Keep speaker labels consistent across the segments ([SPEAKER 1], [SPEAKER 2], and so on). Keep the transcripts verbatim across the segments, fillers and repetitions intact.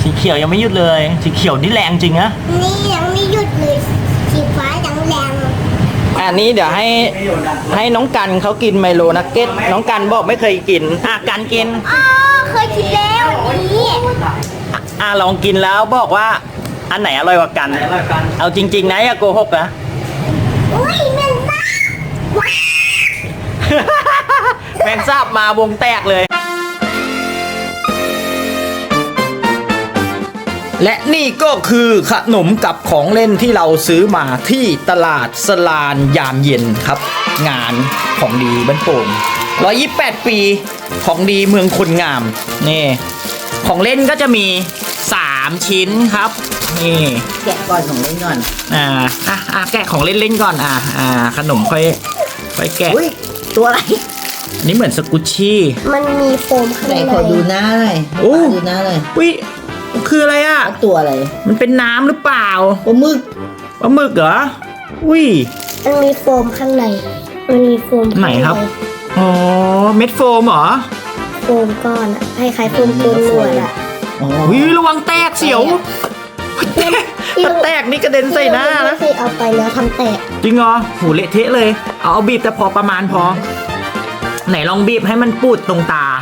[SPEAKER 1] สีเขียวยังไม่หยุดเลยสีเขียวนี่แรงจริงนะ
[SPEAKER 2] นี่ยังไม่หยุดเลยสีฟ้ายังแรง
[SPEAKER 1] อันนี้เดี๋ยวให้ให้น้องกันเขากินไมโลนักเก็ตน้องกันบอกไม่เคยกินอ่ะกันกิน
[SPEAKER 2] อ๋อเคยกินแล้วนี่
[SPEAKER 1] อ่ะลองกินแล้วบอกว่าอันไหนอร่อยกว่ากันเอาจริงๆนะอย่าโกหกนะ
[SPEAKER 2] อุ้ยแมงสาบ
[SPEAKER 1] แมงสาบมาวงแตกเลยและนี่ก็คือขนมกับของเล่นที่เราซื้อมาที่ตลาดสลานยามเย็นครับงานของดีบ้านโป่งร้อยยี่สิบแปดปีของดีเมืองคนงามนี่ของเล่นก็จะมีสามชิ้นครับนี่
[SPEAKER 3] แกะก่อนของเล่นก่อน
[SPEAKER 1] อ่าอ่ะอ่ะแกะของเล่นเล่นก่อนอ่าอ่าขนมค่อยค่อยแกะ
[SPEAKER 3] อุ้ยตัวอะไร
[SPEAKER 1] นี่เหมือนสกุชชี่
[SPEAKER 2] มันมีโฟมข้างใน
[SPEAKER 3] ขอดูหน้าหน่อย
[SPEAKER 1] โอ้
[SPEAKER 3] ดูหน้าเลย
[SPEAKER 1] อุ้ยคืออะไรอ่ะ
[SPEAKER 3] ตัวอะไร
[SPEAKER 1] มันเป็นน้ำหรือเปล่า
[SPEAKER 3] ปลาหมึก
[SPEAKER 1] ปลาหมึกเหรออุ้ย
[SPEAKER 2] มันมีโฟมข้างในมันมีโฟม
[SPEAKER 1] ไหนครับอ๋อเม็ดโฟมเหรอ
[SPEAKER 2] โฟมก้อนอะคล้ายๆโฟมตัวหนวดอะ
[SPEAKER 1] อุ้ยระวังแตกเสียวถ้าแตกนี่กระเด็นใส่หน้านะ
[SPEAKER 2] เคยเอาไปแล้วทำแตก
[SPEAKER 1] จริงเหรอหูเละเทะเลยเอาเอาบีบแต่พอประมาณพอไหนลองบีบให้มันปูดตรงตา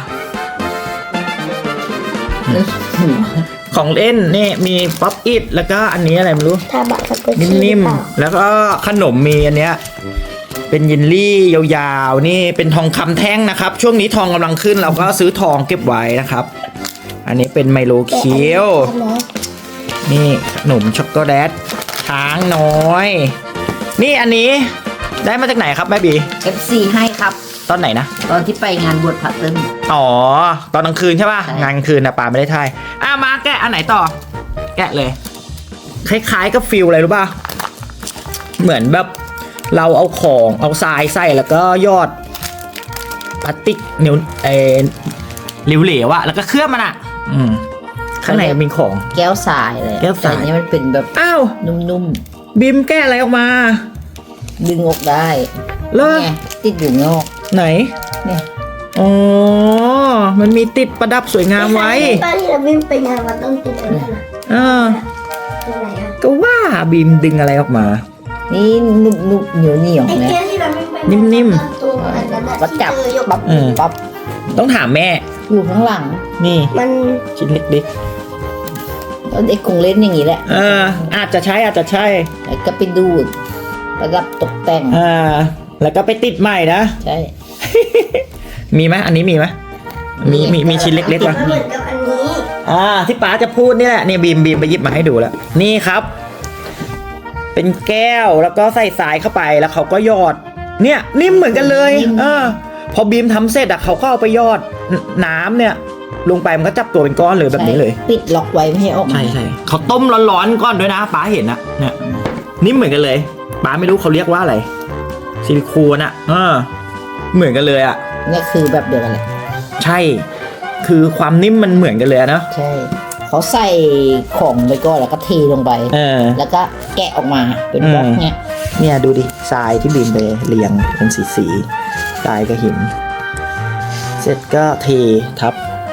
[SPEAKER 1] ของเล่นนี่มีป๊อปอิทแล้วก็อันนี้อะไรไม่รู้
[SPEAKER 2] ทาบะสกุชชี่
[SPEAKER 1] นิ่มๆแล้วก็ขนมมีอันเนี้ยเป็นยินลี่ยาวๆนี่เป็นทองคำแท่งนะครับช่วงนี้ทองกำลังขึ้นเราก็ซื้อทองเก็บไว้นะครับอันนี้เป็นไมโลเคียวนี่ขนมช็อกโกแลตช้างน้อยนี่อันนี้ได้มาจากไหนครับแม่บี
[SPEAKER 3] เอฟ ซี ให้ครับ
[SPEAKER 1] ตอนไหนนะ
[SPEAKER 3] ตอนที่ไปงานบวชพระตึ้ง
[SPEAKER 1] อ๋อตอนกลางคืนใช่ป่ะงานกลางคืนนะปาไม่ได้ถ่ายอ่ะมาแกะอันไหนต่อแกะเลยคล้ายๆกับฟิลอะไรรู้ป่ะเหมือนแบบเราเอาของเอาทรายใส่แล้วก็ยอดพลาสติกเหนียวเออเหลวๆอะแล้วก็เคลือบมันอะอืมข้างในมีของ
[SPEAKER 3] แก้วทรายเลย
[SPEAKER 1] แก้วทราย
[SPEAKER 3] นี้มันเป็นแบบ
[SPEAKER 1] อ้าว
[SPEAKER 3] นุ่ม
[SPEAKER 1] ๆบิมแก้อะไรออกมา
[SPEAKER 3] ดึงออกได้
[SPEAKER 1] เลิก
[SPEAKER 3] ติดอยู่นอก
[SPEAKER 1] ไหน
[SPEAKER 3] เนี่ย
[SPEAKER 1] อ๋อมันมีติดประดับสวยงามไว้
[SPEAKER 2] ตอนที่เราบิมไปงานวัดต้องติดอะไรนะ
[SPEAKER 1] อ่าก็ว่าบิมดึงอะไรออกมา
[SPEAKER 3] นี่นุ่มๆเหนียวเหนียวนะ
[SPEAKER 1] นิ่ม
[SPEAKER 3] ๆวัดจับปั๊บปั๊บ
[SPEAKER 1] ต้องถามแม่
[SPEAKER 3] อยู่ข้างหลัง
[SPEAKER 1] นี่
[SPEAKER 2] มัน
[SPEAKER 1] ชิ้นเล็ก
[SPEAKER 3] ๆแล้วเด็กคงเล่นอย่างนี้แหละ
[SPEAKER 1] เอออาจจะใช่อาจจะใช่
[SPEAKER 3] แล้วก็ไปดูดประดับตกแต่ง
[SPEAKER 1] อ่าแล้วก็ไปติดใหม่นะ
[SPEAKER 3] ใช่
[SPEAKER 1] มีไหมอันนี้มีไหมมีมีมีชิ้นเล็กๆป่ะ
[SPEAKER 2] เหมือนกับอันนี้
[SPEAKER 1] อ่าที่ป๋าจะพูดนี่แหละนี่บีมบีมไปหยิบมาให้ดูแล้วนี่ครับเป็นแก้วแล้วก็ใส่สายเข้าไปแล้วเขาก็หยอดเนี่ยนิ่มเหมือนกันเลยเออพอบีมทำเสร็จอะเขาก็เอาไปหยอดน้ำเนี่ยลงไปมันก็จับตัวเป็นก้อนเลยแบบนี้เลย
[SPEAKER 3] ปิดล็อกไว้ไม่ให้ออก
[SPEAKER 1] ใช่ใช่เขาต้มร้อนๆก้อนด้วยนะป๋าเห็นนะเนี่ยนิ่มเหมือนกันเลยป๋าไม่รู้เขาเรียกว่าอะไรซิลิโคนอะเออเหมือนกันเลยอะ
[SPEAKER 3] นี่คือแบบเดียวกันเลย
[SPEAKER 1] ใช่คือความนิ่มมันเหมือนกันเลยนะ
[SPEAKER 3] ใช่เขาใส่ของไปก่อนแล้วก็เทลงไป
[SPEAKER 1] เออ
[SPEAKER 3] แล้วก็แกะออกมาเป็นบล็อกเนี่ย
[SPEAKER 1] เนี่ยดูดิทรายที่บีมไปเรียงเป็นสีสีทรายกับหินเสร็จก็เททับ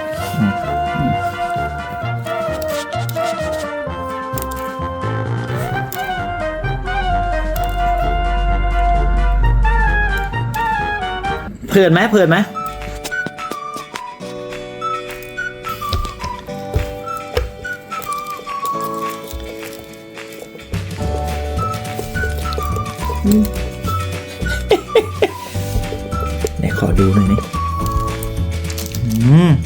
[SPEAKER 1] เพลินไหมเพลินไหมเดี๋ยวขอดูหน่อยนี่อืม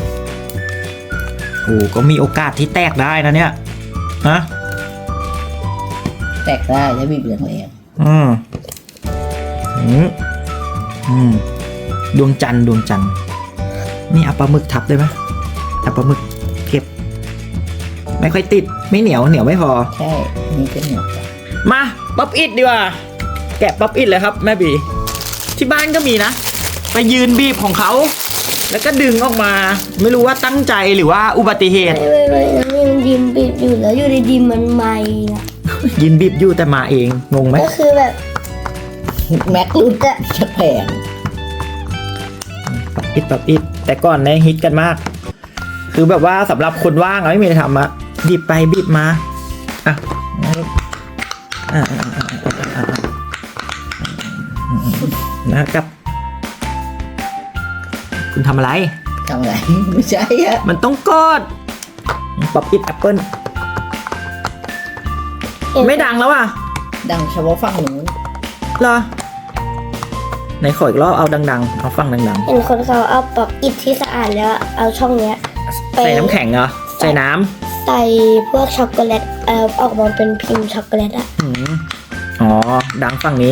[SPEAKER 1] โอ้ก็มีโอกาสที่แตกได้นะเนี่ยฮะ
[SPEAKER 3] แตกได้ถ้าบีบแรง
[SPEAKER 1] ๆอืมอืมอืมดวงจันทร์ดวงจันทร์นี่เอาปลาหมึกทับได้ไหมเอาปลาหมึกเก็บไม่ค่อยติดไม่เหนียวเหนียวไม่พอ
[SPEAKER 3] ใช่นี่ก็เหนียว
[SPEAKER 1] มาป๊อปอิทดีกว่าแกะป๊อปอิทเลยครับแม่บีที่บ้านก็มีนะไปยืนบีบของเขาแล้วก็ดึงออกมาไม่รู้ว่าตั้งใจหรือว่าอุบัติเหตุ
[SPEAKER 2] ไม่ไม่ไม่นี่มันยินบีบอยู่แล้วอยู่ดีๆมันไม่อะ
[SPEAKER 1] ยินบีบอยู่แต่มาเองงงไหม
[SPEAKER 2] ก็คือแบบ
[SPEAKER 3] แม็กลุดอะจะแพง
[SPEAKER 1] ป๊อปอิทป๊อปอิทแต่ก่อนเนี่ยฮิตกันมากคือแบบว่าสำหรับคนว่างอะไม่มีอะไรทำอะบีบไปบีบมาอ่ะอ่ะอ่ะอ่ะอ่ะอ่ะนะครับคุณทำอะไร
[SPEAKER 3] ทำไงไม่ใช่อะ
[SPEAKER 1] มันต้องกดป๊อปอิทแอปเปิลไม่ดังแล้วอ่ะ
[SPEAKER 3] ดังเฉพาะฝั่งนู้น
[SPEAKER 1] เหรอไหนขออีกรอบเอาดังๆเอาฟังดัง
[SPEAKER 2] เห็นคนเขาเอาป๊อปอิฐที่สะอาดแล้วเอาช่องเนี้ย
[SPEAKER 1] ๆใส่น้ำแข็งเหรอใส่น้
[SPEAKER 2] ใส่พวกช็อกโกแลตเอ่อออกมาเป็นพิมพ์ช็อกโกแลตอะ
[SPEAKER 1] ำหืมอ๋อดังฝั่งนี้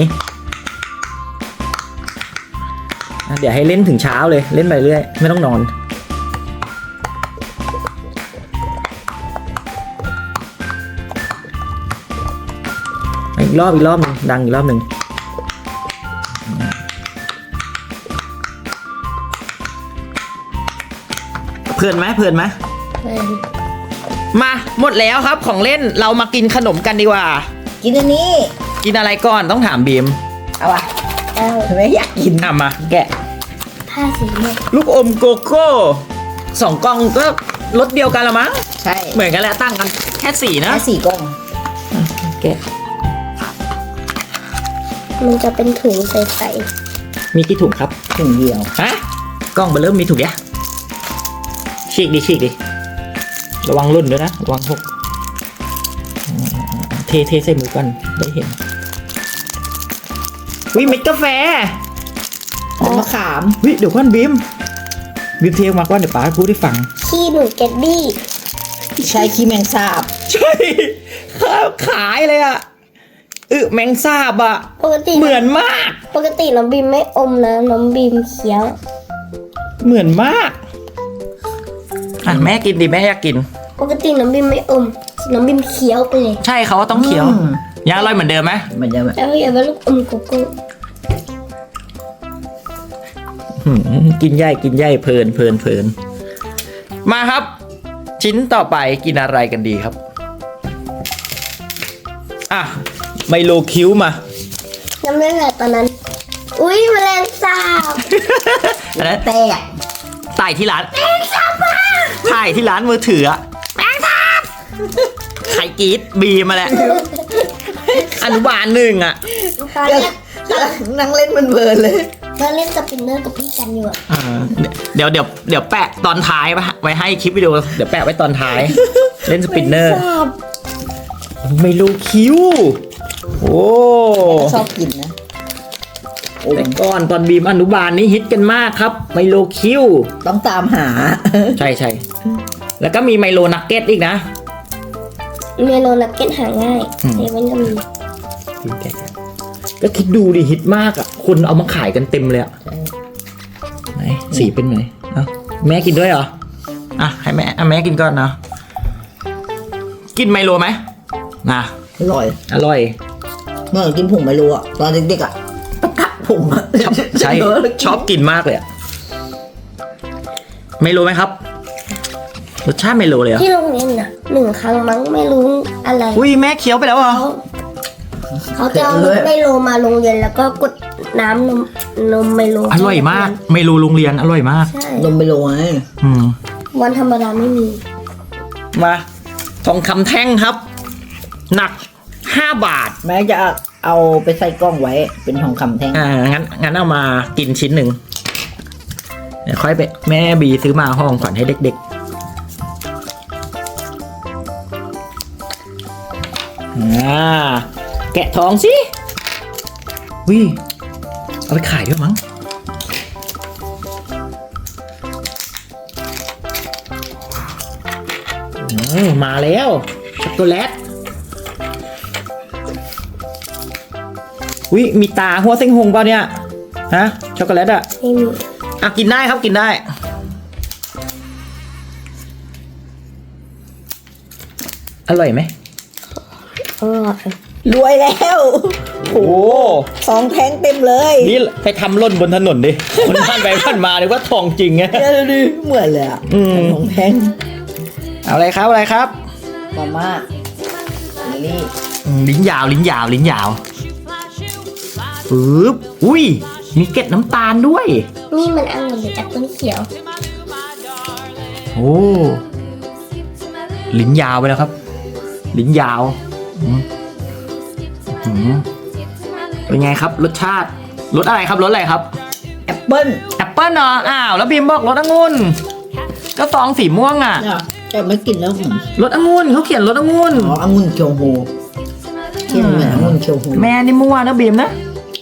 [SPEAKER 1] อ่ะเดี๋ยวให้เล่นถึงเช้าเลยเล่นไปเรื่อยไม่ต้องนอนอีกรอบอีกรอบหนึงดังอีกรอบหนึ่งเพลินไหมเพลินไหม
[SPEAKER 2] เออ
[SPEAKER 1] มาหมดแล้วครับของเล่นเรามากินขนมกันดีกว่า
[SPEAKER 3] กินอันนี้
[SPEAKER 1] กินอะไรก่อนต้องถามบีม
[SPEAKER 3] เอาวะ
[SPEAKER 2] เอา
[SPEAKER 3] ไม่อยากกิน
[SPEAKER 1] อ่ะมาแกะ
[SPEAKER 2] ผ้าสีเนี่ย
[SPEAKER 1] ลูกอมโกโก้สองกล่องก็รสเดียวกันละมั้ง
[SPEAKER 3] ใช่
[SPEAKER 1] เหมือนกันแหละตั้งกันแค่สีนะ
[SPEAKER 3] แค่สี่กล่อง
[SPEAKER 1] แกะ
[SPEAKER 2] มันจะเป็นถุงใส
[SPEAKER 1] มีกี่ถุงครับ
[SPEAKER 3] ถึงเดียว
[SPEAKER 1] ฮะกล้องไปเริ่มมีถุงเดียวฉีกดิฉีกดิระวังรุ่นด้วยนะระวังหกอืมเทเทใส่มือก่อนได้เห็นวิเม็ดกาแฟ
[SPEAKER 3] น้ำมะขาม
[SPEAKER 1] วิเดี๋ยวก่อนบีมบีมเทออกมาก่อนเดี๋ยวป๋าพูดให้ฟัง
[SPEAKER 2] ๆขี้หนูแกดบี้
[SPEAKER 3] ใช้ขี้แมงสาบ
[SPEAKER 1] ใช่ข้าวขายเลยอะอึแมงสาบอะ
[SPEAKER 2] ปกติ
[SPEAKER 1] เหมือนมาก
[SPEAKER 2] ปกติน้องบีมไม่อมนะน้องบีมเคี้ยว
[SPEAKER 1] เหมือนมากอ่ะแม่กินดิแม่อยากกิน
[SPEAKER 2] ปกติน้องบีมไม่อมน้องบีมเคี้ยวไปเลย
[SPEAKER 1] ใช่เขาว่าต้องเคี้ยว
[SPEAKER 3] อืม
[SPEAKER 1] ยังอร่อยเหมือนเดิมไหม
[SPEAKER 3] มันจะแบบ
[SPEAKER 2] แล้วอย่าไปลูกอมโกโก้
[SPEAKER 1] หืมกินใหญ่กินใหญ่เพลินเพลินเพลินมาครับ ชิ้นต่อไปกินอะไรกันดีครับอ่ะไมโลคิ้วมา
[SPEAKER 2] จำได้แหละตอนนั้น อุ้ยแมลงสาบ
[SPEAKER 1] อันนั้น
[SPEAKER 3] แตก
[SPEAKER 1] ถ่ายที่ร้านถ่ายที่ร้านมือถืออะไข่กรีดบีมาแหละอนุบาลหนึ่งอะ
[SPEAKER 2] ตอน
[SPEAKER 3] เดี๋ยว
[SPEAKER 2] เนี้ย
[SPEAKER 3] นั่งเล่นมันเบิร์นเลย
[SPEAKER 2] ตอนเล่นสปินเนอร์กับพี่กันอยู่อะ
[SPEAKER 1] อ่าเดี๋ยวเดี๋ยวเดี๋ยวแปะตอนท้ายไว้ให้คลิปวิดีโอเดี๋ยวแปะไว้ตอนท้าย เล่นสปินเนอร์
[SPEAKER 2] แมลงสาบ
[SPEAKER 1] ไม่รู้คิ้ว โอ้
[SPEAKER 3] ชอบกินนะโอ้
[SPEAKER 1] แต่ก่อนตอนบีมอนุบาลนี่ฮิตกันมากครับ ไมโลคิ้ว
[SPEAKER 3] ต้องตามหา
[SPEAKER 1] ใช่ใช่แล้วก็มีไมโลนักเก็ตอีกนะ
[SPEAKER 2] เมโลนักเก็ตหาง่าย
[SPEAKER 1] อืม
[SPEAKER 2] เซเว่นก็มี
[SPEAKER 1] ก็คิดดูดิฮิตมากอ่ะคนเอามาขายกันเต็มเลยอ่ะไหนสีเป็นไงเอ้าแม่กินด้วยเหรออ่ะให้แม่อ่ะแม่กินก่อนนะกินไมโลไหมนะ
[SPEAKER 3] อร่อย
[SPEAKER 1] อร่อย
[SPEAKER 3] เมื่อกินผงไมโลอ่ะตอนเด็กๆอ่ะตะกัดผงอ่ะ
[SPEAKER 1] ชอบใช่ชอบกินมากเลยอะไมโลไหมครับรสชาติไมโลเลยเหรอ
[SPEAKER 2] ที่โรงเรียนน่ะหนึ่งครั้งมั้งไม่รู้อะไร
[SPEAKER 1] อุ้ยแม่เคี้ยวไปแล้วเหรอ
[SPEAKER 2] เขาเขาจะเอารถไมโลมาโรงเรียนแล้วก็กดน้ำนมนมไมโล
[SPEAKER 1] อร่อยมากไมโลโรงเรียนอร่อยมาก
[SPEAKER 2] ใช่
[SPEAKER 3] นมไมโลไง
[SPEAKER 1] อืม
[SPEAKER 2] วันธรรมดาไม่มี
[SPEAKER 1] มาทองคำแท่งครับ หนักห้าบาท
[SPEAKER 3] แม่จะเอาไปใส่กล้องไว้เป็นทองคำแท่ง
[SPEAKER 1] อ่างั้นงั้นเอามากินชิ้นหนึ่งเดี๋ยวค่อยไปแม่บีซื้อมาห้องขวัญให้เด็กๆอ่าแกะทองสิวิเอาไปขายด้วยมั้งโอ้มาแล้วช็อกโกแลตวิมีตาหัวเส้งหงเปล่าเนี่ยฮะช็อกโกแลตอะ
[SPEAKER 2] ไม่มี
[SPEAKER 1] อ่ะกินได้ครับกินได้ อร่อยไหม
[SPEAKER 2] อร่อย
[SPEAKER 3] รวยแล้ว
[SPEAKER 1] โอ้
[SPEAKER 3] ทองแท่งเต็มเลย
[SPEAKER 1] นี่ไปทำหล่นบนถนนดิคนผ่านไปผ่านมาเลยว่าทองจริงไง
[SPEAKER 3] เดี๋ยวดูเหมือนเลยอ่ะ
[SPEAKER 1] อืม
[SPEAKER 3] ทองแท่ง
[SPEAKER 1] เอาอะไรครับอะไรครับ
[SPEAKER 3] มาม่านี่
[SPEAKER 1] อืมลิ้นยาวลิ้นยาวลิ้นยาวปึ๊บอุ้ยมีเกล็ดน้ำตาลด้วย
[SPEAKER 2] นี่มันองุ่นหรือแอปเปิ้ลเขียว
[SPEAKER 1] อโอ้ลิ้นยาวไปแล้วครับ ลิ้นยาวอืมอืมเป็นไงครับรสชาติรสอะไรครับรสอะไรครับ
[SPEAKER 3] แอปเปิ้ล
[SPEAKER 1] แอปเปิ้ลเนาะอ้าวแล้วบีมบอกรสองุ่นก็ซองสีม่วงอ่ะ
[SPEAKER 3] เนี่ยแต่ไม่กินแล้วผม
[SPEAKER 1] รสองุ่นเขาเขียนรสองุ่น
[SPEAKER 3] อ๋อองุ่นเคียวโฮกินเหมือนองุ่นเคียวโฮ
[SPEAKER 1] แม่นี่มั่วนะบีมนะ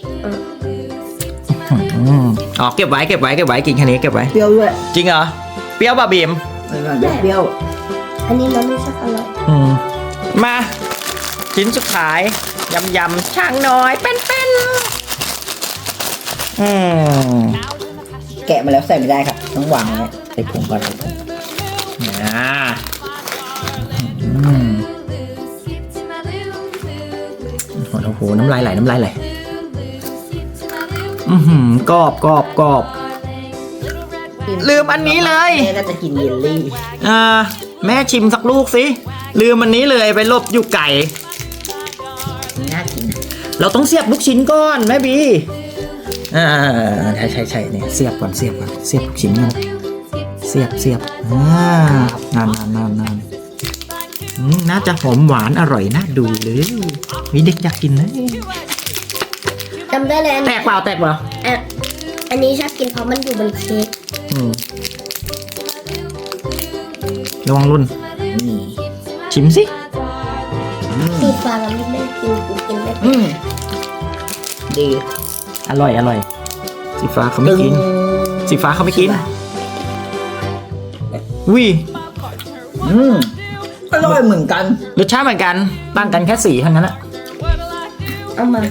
[SPEAKER 1] อืมอ๋อเก็บไว้เก็บไว้เก็บไว้กินแค่นี้เก็บไว้
[SPEAKER 3] เปรี้ยวด้วย
[SPEAKER 1] จริงเหรอเปรี้ยวป่ะบีม
[SPEAKER 3] อร่อยเปรี้ยว
[SPEAKER 2] อันนี้มันไม่ใช่อร่อย
[SPEAKER 1] อืมมาชิ้นสุดท้ายยำยำช่างน้อยเป็นเป็นอืม
[SPEAKER 3] แกะมาแล้วใส่ไม่ได้ครับต้องวางไว้ใส่ผงก่อนใส่ผง
[SPEAKER 1] อ่าอืมโอ้โหน้ำลายไหลน้ำลายไหลอือหือกรอบกรอบกรอบ ลืมอันนี้เลย
[SPEAKER 3] แม่น่าจะกินเยลลี่
[SPEAKER 1] อ่าแม่ชิมสักลูกสิลืมอันนี้เลยไปหลบอยู่ไก่
[SPEAKER 3] น่ากินนะ
[SPEAKER 1] เราต้องเสียบลูกชิ้นก่อนแม่บีอ่าใช่ใช่ใช่เนี่ยเสียบก่อนเสียบก่อนเสียบลูกชิ้นก่อนเสียบเสียบอ่านานนานนานนานอืมน่าจะหอมหวานอร่อยน่าดูเลยมีเด็กอยากกินนะ
[SPEAKER 2] จำได้เลยอัน
[SPEAKER 1] แตกเปล่าแตกเปล่า
[SPEAKER 2] อ่ะอันนี้ชอบกินเพราะมันอยู่บนเค้ก
[SPEAKER 1] อืมระวังรุ่น
[SPEAKER 3] นี่
[SPEAKER 1] ชิมสิ
[SPEAKER 2] สีฟ้าเราไม่ได้กินกูกินไม่เป็น
[SPEAKER 3] อืมดี
[SPEAKER 1] อร่อยอร่อยสีฟ้าเขาไม่กิน สีฟ้าเขาไม่กินวิ
[SPEAKER 3] อืมอร่อยเหมือนกัน
[SPEAKER 1] รสชาติเหมือนกันต่างกันแค่สีเท่านั้นอะ
[SPEAKER 2] เอามา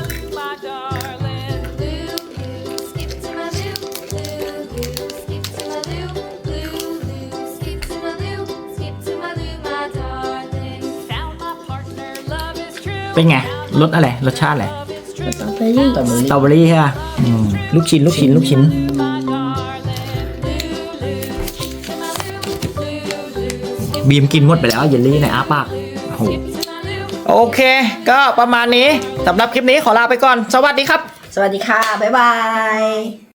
[SPEAKER 1] เป็นไงรสอะไรรสชาติอะไร
[SPEAKER 2] สตรอเบอรี่
[SPEAKER 3] สตรอเบอ
[SPEAKER 1] ส
[SPEAKER 3] รี่
[SPEAKER 1] ตรอเบอรี่ใช่ป่ะอืมลูกชิ้นลูกชิ้นลูกชิ้นบีมกินหมดไปแล้วเยลลี่ในอาปากโอ้โหโอเค ก็ประมาณนี้สำหรับคลิปนี้ขอลาไปก่อน สวัสดีครับ
[SPEAKER 3] สวัสดีค่ะ บ๊ายบาย